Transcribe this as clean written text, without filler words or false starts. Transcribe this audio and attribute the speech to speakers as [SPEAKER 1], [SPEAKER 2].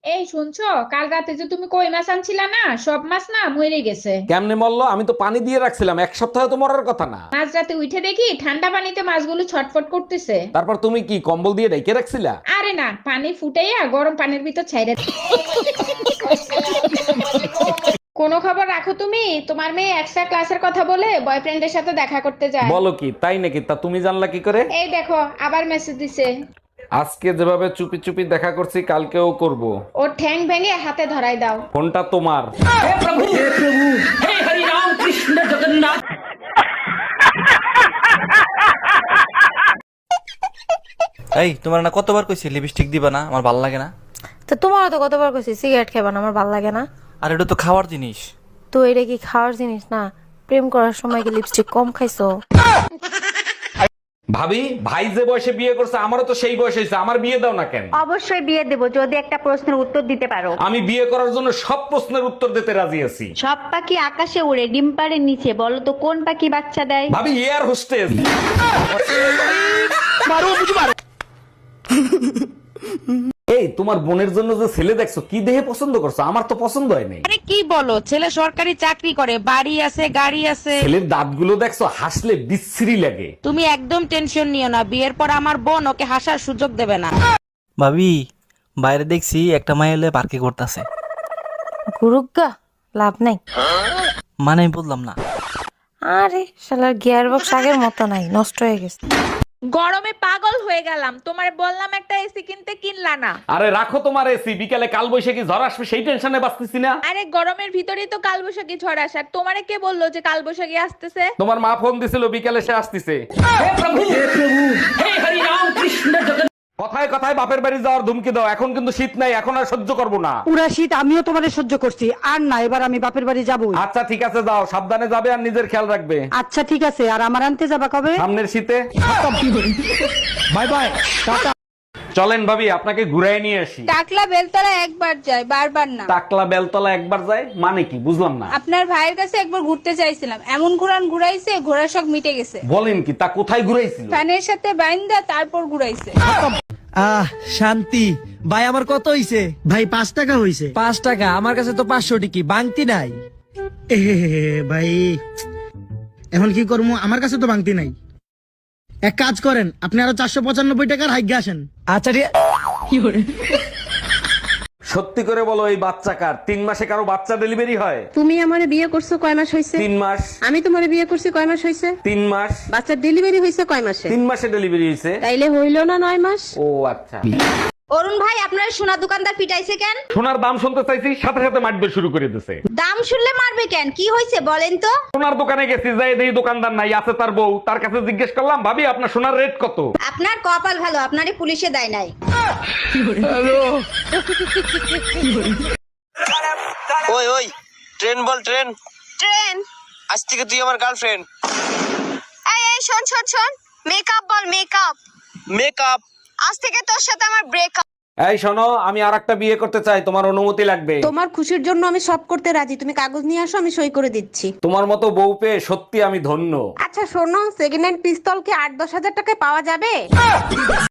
[SPEAKER 1] এই শুনছো, কাল রাতে যে তুমি কই মাছ আনছিলা না, সব মাছ না মরে গেছে।
[SPEAKER 2] কেমনে মরলো? আমি তো পানি দিয়ে রাখছিলাম, এক সপ্তাহে তো মরার কথা না।
[SPEAKER 1] মাঝ রাতে উঠে দেখি ঠান্ডা পানিতে মাছগুলো ছটফট করতেছে।
[SPEAKER 2] তারপর তুমি কি কম্বল দিয়ে ঢেকে রাখছিলা?
[SPEAKER 1] আরে না, পানি ফুটাইয়া গরম পানির ভিতর ছাইরে। কোনো খবর রাখো তুমি? তোমার মেয়ে এক্সট্রা ক্লাসের কথা বলে বয়ফ্রেন্ডের সাথে দেখা করতে যায়।
[SPEAKER 2] বলো কি, তাই নাকি? তা তুমি জানলা কি করে?
[SPEAKER 1] এই দেখো, আবার মেসেজ দিছে।
[SPEAKER 2] আজকে যেভাবে চুপি চুপি দেখা করছি, কালকেও করব।
[SPEAKER 1] ওর ঠ্যাং ভেঙে হাতে ধরাই দাও।
[SPEAKER 2] ফোনটা তোমার।
[SPEAKER 3] এই তোমার না কতবার কইছি লিপস্টিক দিবা না, আমার ভাল লাগে না।
[SPEAKER 4] তো তোমারও তো কতবার কইছি সিগারেট খাবা না, আমার ভাল লাগে না।
[SPEAKER 3] আর এটা তো খাওয়ার জিনিস।
[SPEAKER 4] তো এটা কি খাওয়ার জিনিস না? প্রেম করার সময় কি লিপস্টিক কম খাইছো?
[SPEAKER 2] ভাবি, ভাই যে বয়সে বিয়ে করছে আমারও তো সেই বয়স হয়েছে, আমার বিয়ে দাও না কেন?
[SPEAKER 5] অবশ্যই বিয়ে দেব যদি একটা প্রশ্নের উত্তর দিতে পারো।
[SPEAKER 2] আমি বিয়ে করার জন্য সব প্রশ্নের উত্তর দিতে রাজি আছি।
[SPEAKER 5] সব পাখি আকাশে উড়ে, ডিম পাড়ে নিচে, বলো তো কোন পাখি বাচ্চা দেয়?
[SPEAKER 2] ভাবি, এয়ার হোস্টেস। এই তোমার বোনের জন্য যে ছেলে দেখছো, কি দেহে পছন্দ করছো? আমার তো পছন্দ হয় নাই।
[SPEAKER 6] আরে কি বলো, ছেলে সরকারি চাকরি করে, বাড়ি আছে, গাড়ি আছে।
[SPEAKER 2] ছেলের দাঁতগুলো দেখছো, হাসলে বিশ্রী লাগে।
[SPEAKER 6] তুমি একদম টেনশন নিও না, বিয়ের পর আমার বোন ওকে হাসার সুযোগ দেবে না।
[SPEAKER 3] ভাবি, বাইরে দেখছি একটা মাই এলে পার্কে করতেছে।
[SPEAKER 4] গুরুগা, লাভ নাই।
[SPEAKER 3] মানে আমি বললাম না।
[SPEAKER 4] আরে শালার গিয়ার বক্স আগের মতো নাই, নষ্ট হয়ে গেছে।
[SPEAKER 1] গরমে পাগল হয়ে গেলাম, তোমার বললাম একটা এসি কিনতে, কিনলা না।
[SPEAKER 2] আরে রাখো তোমার এসি, বিকালে কাল বৈশাখী ঝড় আসবে সেই টেনশনে বাঁচতেছি না।
[SPEAKER 1] আরে গরমের ভিতরেই তো কালবৈশাখী ঝড় আসার, তোমারে কে বললো যে কালবৈশাখী আসতেছে?
[SPEAKER 2] তোমার মা ফোন দিছিল, বিকালে সে আসতেছে। কথায় কথায় বাপের বাড়ি যাওয়ার ধুমকি দাও, এখন কিন্তু শীত নাই, এখন আর সহ্য করবো না।
[SPEAKER 7] পুরা শীত আমিও তোমাদের সহ্য করছি, আর না এবার আমি বাপের বাড়ি যাবই।
[SPEAKER 2] আচ্ছা ঠিক আছে, যাও, সাবধানে যাবে আর নিজের খেয়াল রাখবে।
[SPEAKER 7] আচ্ছা ঠিক আছে, আর আমার আনতে যাবা কবে?
[SPEAKER 2] সামনের শীতে। Bye bye, tata. চলেন ভাবি, আপনাকে ঘুরাই নিয়ে আসি।
[SPEAKER 8] টাকলা বেলতলা একবার যায়, বারবার না।
[SPEAKER 2] টাকলা বেলতলা একবার যায় মানে কি, বুঝলাম না।
[SPEAKER 8] আপনার ভাইয়ের কাছে একবার ঘুরতে চাইছিলাম, এমন ঘুরাইছে, ঘোড়ার শখ মিটে গেছে।
[SPEAKER 2] বলেন কি, তা কোথায় ঘুরাইছিল?
[SPEAKER 8] ফ্যানের সাথে বাইন্দা তারপর ঘুরাইছে।
[SPEAKER 9] শান্তি ভাই, আমার কত হইছে?
[SPEAKER 7] ভাই 5 টাকা হইছে।
[SPEAKER 9] 5 টাকা? আমার কাছে তো 500 টিকি বাংতি নাই।
[SPEAKER 7] ভাই এখন কি করবো, আমার কাছে তো ভাঙতি নাই। এক কাজ করেন, আপনি আরো 495 টাকার হাইগে আসেন।
[SPEAKER 9] আচ্ছা
[SPEAKER 2] সত্যি করে বলো, এই বাচ্চা কার? 3 মাসে কারো বাচ্চা ডেলিভারি হয়?
[SPEAKER 8] তুমি আমারে বিয়ে করছো কয় মাস হইছে?
[SPEAKER 2] 3 মাস।
[SPEAKER 8] আমি তোমারে বিয়ে করছি কয় মাস হইছে?
[SPEAKER 2] 3 মাস।
[SPEAKER 8] বাচ্চার ডেলিভারি হইছে কয় মাসে?
[SPEAKER 2] 3 মাসে ডেলিভারি হয়েছে।
[SPEAKER 8] তাইলে হইল না 9 মাস?
[SPEAKER 2] ও আচ্ছা।
[SPEAKER 5] অরুণ ভাই, আপনার সোনা দোকানদার পিটাইছে কেন?
[SPEAKER 2] সোনার দাম শুনতে চাইছি, সাথে সাথে মারবে শুরু করে দিছে।
[SPEAKER 5] দাম শুনলে মারবে কেন? কি হয়েছে বলেন তো?
[SPEAKER 2] সোনার দোকানে গেছি, যাই দেখি দোকানদার নাই, আছে তার বউ। তার কাছে জিজ্ঞেস করলাম, ভাবি আপনার সোনার রেট কত?
[SPEAKER 5] আপনার কপাল ভালো, আপনারে পুলিশে দেয় নাই।
[SPEAKER 10] ওই ওই, ট্রেন বল, ট্রেন।
[SPEAKER 5] ট্রেন?
[SPEAKER 10] আজ থেকে তুই আমার গার্লফ্রেন্ড।
[SPEAKER 5] এই এই শোন শোন শোন, মেকআপ বল, মেকআপ।
[SPEAKER 10] মেকআপ?
[SPEAKER 5] আজ থেকে তোর সাথে আমার ব্রেকআপ।
[SPEAKER 2] এই শোনো, আমি আরেকটা বিয়ে করতে চাই, তোমার অনুমতি লাগবে।
[SPEAKER 8] তোমার খুশির জন্য আমি সব করতে রাজি, তুমি কাগজ নিয়ে আসো, আমি সই করে দিচ্ছি।
[SPEAKER 2] তোমার মতো বউ পেয়ে সত্যি আমি ধন্য।
[SPEAKER 8] আচ্ছা শোনো, সেকেন্ড হ্যান্ড পিস্তল কি 8-10 হাজার টাকায় পাওয়া যাবে?